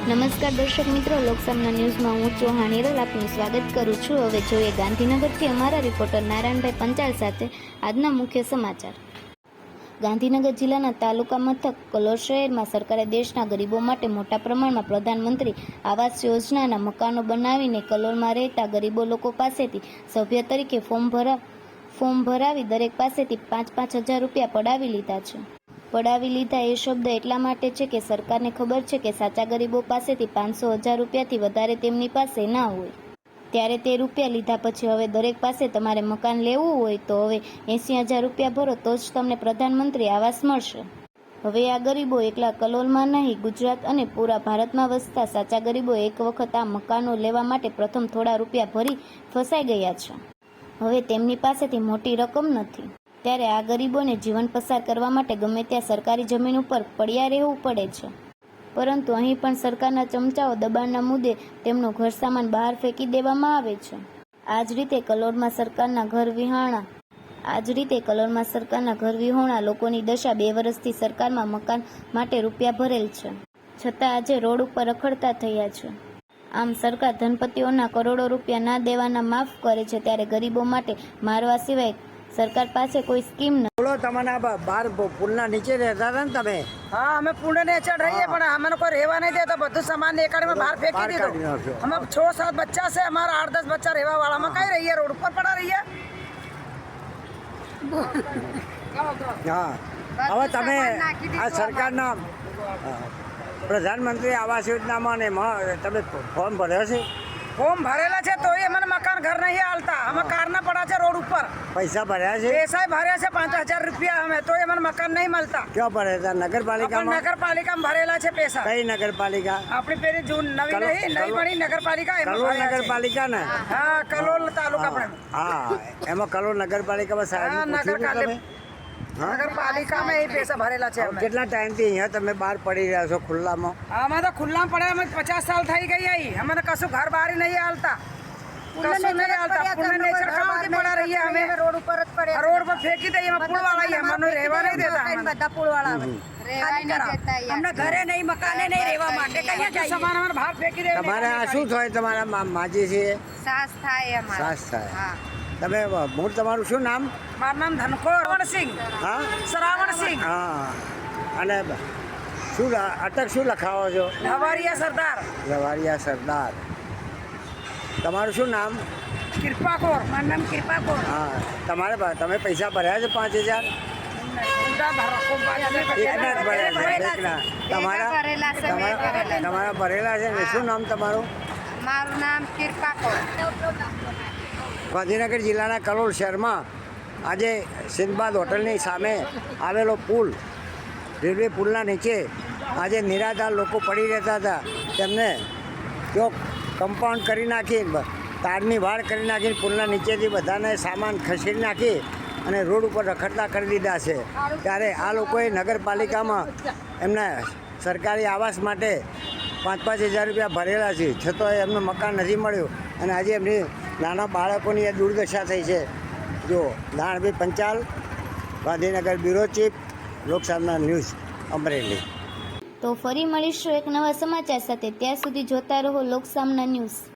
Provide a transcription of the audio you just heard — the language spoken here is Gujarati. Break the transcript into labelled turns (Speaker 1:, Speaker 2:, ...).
Speaker 1: નમસ્કાર દર્શક મિત્રો, લોકસામના ન્યૂઝમાં હું ચૌહાણ હિરલ આપનું સ્વાગત કરું છું। હવે જોઈએ ગાંધીનગરથી અમારા રિપોર્ટર નારાયણભાઈ પંચાલ સાથે આજના મુખ્ય સમાચાર। ગાંધીનગર જિલ્લાના તાલુકા મથક કલોલ શહેરમાં સરકારે દેશના ગરીબો માટે મોટા પ્રમાણમાં પ્રધાનમંત્રી આવાસ યોજનાના મકાનો બનાવીને કલોલમાં રહેતા ગરીબો લોકો પાસેથી સભ્ય તરીકે ફોર્મ ભરાવી દરેક પાસેથી 5-5 હજાર રૂપિયા પડાવી લીધા છે। પડાવી લીધા એ શબ્દ એટલા માટે છે કે સરકારને ખબર છે કે સાચા ગરીબો પાસેથી 500,000 રૂપિયાથી વધારે તેમની પાસે ના હોય, ત્યારે તે રૂપિયા લીધા પછી હવે દરેક પાસે તમારે મકાન લેવું હોય તો હવે 80,000 રૂપિયા ભરો તો જ તમને પ્રધાનમંત્રી આવાસ મળશે। હવે આ ગરીબો એકલા કલોલમાં નહીં, ગુજરાત અને પૂરા ભારતમાં વસતા સાચા ગરીબો એક વખત આ મકાનો લેવા માટે પ્રથમ થોડા રૂપિયા ભરી ફસાઈ ગયા છે। હવે તેમની પાસેથી મોટી રકમ નથી, ત્યારે આ ગરીબોને જીવન પસાર કરવા માટે ગમે ત્યાં સરકારી જમીન ઉપર પડ્યા રહેવું પડે છે, પરંતુ અહીં પણ સરકારના ચમચાઓ દબાણના મુદ્દે તેમનો ઘર સામાન બહાર ફેંકી દેવામાં આવે છે। આ જ રીતે કલોલમાં સરકારના ઘર વિહોણા લોકોની દશા 2 વર્ષથી સરકારમાં મકાન માટે રૂપિયા ભરેલ છે, છતાં આજે રોડ ઉપર રખડતા થયા છે। આમ સરકાર ધનપતિઓના કરોડો રૂપિયા ના દેવાના માફ કરે છે, ત્યારે ગરીબો માટે મારવા સિવાય સરકાર પાસે કોઈ સ્કીમ નથી।
Speaker 2: બોલો, તમારા બાર પુલના નીચે રહેતા હતા ને તમે?
Speaker 3: હા, અમે પુલના નીચે રહીએ, પણ અમને કોઈ રહેવા નહીં દેતો, બધું સામાન નીકાળીને બહાર ફેંકી દીધું। અમે 6-7 બચ્ચા છે, અમારા 8-10 બચ્ચા રહેવા વાળા, અમે કઈ રહીએ? રોડ ઉપર પડા રહીએ।
Speaker 2: હા, હવે તમે આ સરકારના પ્રધાનમંત્રી આવાસ યોજનામાં ને તમે ફોર્મ ભર્યો છે?
Speaker 3: ફોર્મ ભરેલા છે તો એ મને મકાન ઘર નહીં હાલતા, અમે કારના પડા છે રોડ ઉપર।
Speaker 2: પૈસા ભર્યા છે?
Speaker 3: પૈસા ભર્યા છે 5,000 રૂપિયા, અમે તો એ મને મકાન નહીં મળતા।
Speaker 2: ક્યાં ભર્યા હતા? નગરપાલિકામાં?
Speaker 3: નગરપાલિકામાં ભરેલા છે પૈસા।
Speaker 2: કઈ નગરપાલિકા?
Speaker 3: આપણી પેલી જૂન નવી નહીં બની નગરપાલિકા,
Speaker 2: કલોલ નગરપાલિકા ને?
Speaker 3: હા, કલોલ તાલુકા પણ।
Speaker 2: હા, એમાં કલોલ નગરપાલિકામાં સાહેબ
Speaker 3: નગરપાલિકામાં એ પૈસા ભરેલા છે।
Speaker 2: કેટલા ટાઈમથી અહીંયા તમે બહાર પડી રહ્યા છો ખુલ્લામાં?
Speaker 3: અમે તો ખુલ્લામાં પડ્યા, અમે 50 સાલ થઈ ગઈ અહીં, અમને કશું ઘર બહાર નહીં હાલતા, કશું નહીં હાલતા। પુલના નીચે કામથી પડા રહીએ અમે, રોડ ઉપર જ પડે, રોડ પર ફેંકી દઈએ, અમે પુલ વાળા અમને રહેવા નહીં દેતા, બધા પુલ વાળા અમને ઘરે નહીં, મકાને નહીં રહેવા માટે કઈ સામાન અમારે બહાર ફેંકી દે।
Speaker 2: તમારે આ શું થાય? તમારા માજી છે?
Speaker 1: સાસ થાય અમારે।
Speaker 2: સાસ થાય। તમે મૂળ તમારું શું નામ?
Speaker 3: મારું નામ ધનકો શ્રાવણસિંહ।
Speaker 2: હા,
Speaker 3: શ્રાવણસિંહ।
Speaker 2: હા, અને શું અટક શું લખાવો છો?
Speaker 3: લવારિયા સરદાર।
Speaker 2: લવારિયા સરદાર। તમારું શું નામ?
Speaker 3: કૃપાકોર। મારું નામ કૃપાકોર।
Speaker 2: હા, તમે પૈસા ભર્યા છે 5,000? એકના જ ભર્યા છે? એકના? તમારા ભરેલા છે ને? શું નામ તમારું?
Speaker 1: મારું નામ કૃપાકોર।
Speaker 2: ગાંધીનગર જિલ્લાના કલોલ શહેરમાં આજે સિંદબાદ હોટલની સામે આવેલો પુલ, રેલવે પુલના નીચે આજે નિરાધાર લોકો પડી રહેતા હતા, તેમને જો કમ્પાઉન્ડ કરી નાખી, તારની વાડ કરી નાખીને પુલના નીચેથી બધાને સામાન ખસેડી નાખી અને રોડ ઉપર રખડતા કરી દીધા છે। ત્યારે આ લોકોએ નગરપાલિકામાં એમના સરકારી આવાસ માટે 5-5 હજાર રૂપિયા ભરેલા છે, છતાં એમનું મકાન નથી મળ્યું અને આજે એમની નાના બાળકોની એ દુર્દશા થઈ છે। જો Narayanbhai Panchal, Gandhinagar bureau chief, Loksamna news, Amreli.
Speaker 1: તો ફરી મળીશું એક નવા સમાચાર સાથે, ત્યાં સુધી જોતા રહો લોકસામના ન્યૂઝ।